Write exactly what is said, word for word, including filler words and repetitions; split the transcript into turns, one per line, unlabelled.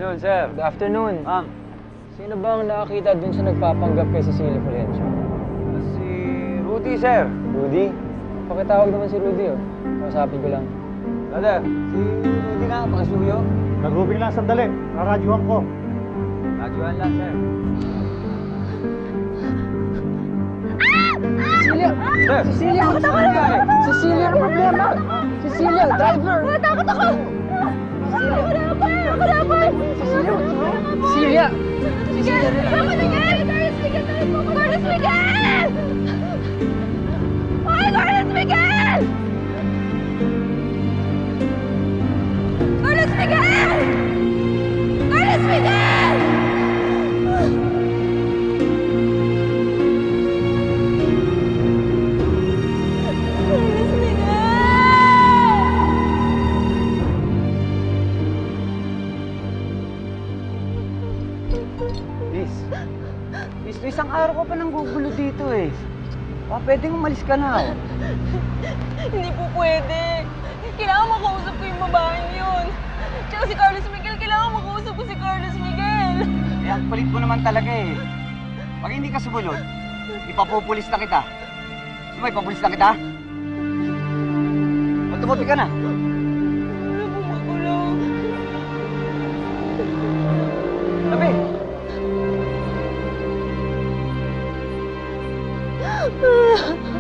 afternoon, sir.
Good afternoon.
Ma'am.
Sino ba ang nakakita dun sa nagpapanggap kay Cecilia Fulgencio?
Si Rudy, sir.
Rudy? Pakitawag naman si Rudy, oh. Kausapin ko lang.
Brother, si Rudy nga, pakisuyo.
Nag-grouping lang sandali. Raradyuhan ko.
Radyoan lang, sir.
Cecilia!
Sir!
Cecilia!
Ano nangyari?
Cecilia, ano problema? Cecilia, driver!
Natakot ako! Ako na ako! Ako na ako!
Cecilia! Cecilia!
Miguel! Ako na yan! Carlos Miguel! Carlos Miguel! Ay, Carlos Miguel! Carlos Miguel! Carlos Miguel! Carlos Miguel!
Liz. Liz, isang araw ko pa nang gugulo dito eh. Baka pwedeng umalis ka na, oh.
Hindi po pwede. Kailangan makausap ko yung babaeng yun. Tsaka si Carlos Miguel, kailangan makausap ko si Carlos Miguel.
Eh, ang kulit mo naman talaga eh. Pag hindi ka sumunod, ipapupulis na kita. Gusto mo, ipapulis na kita? O, tumabi ka na.
Wala po makulong.
Tabi!
Ah.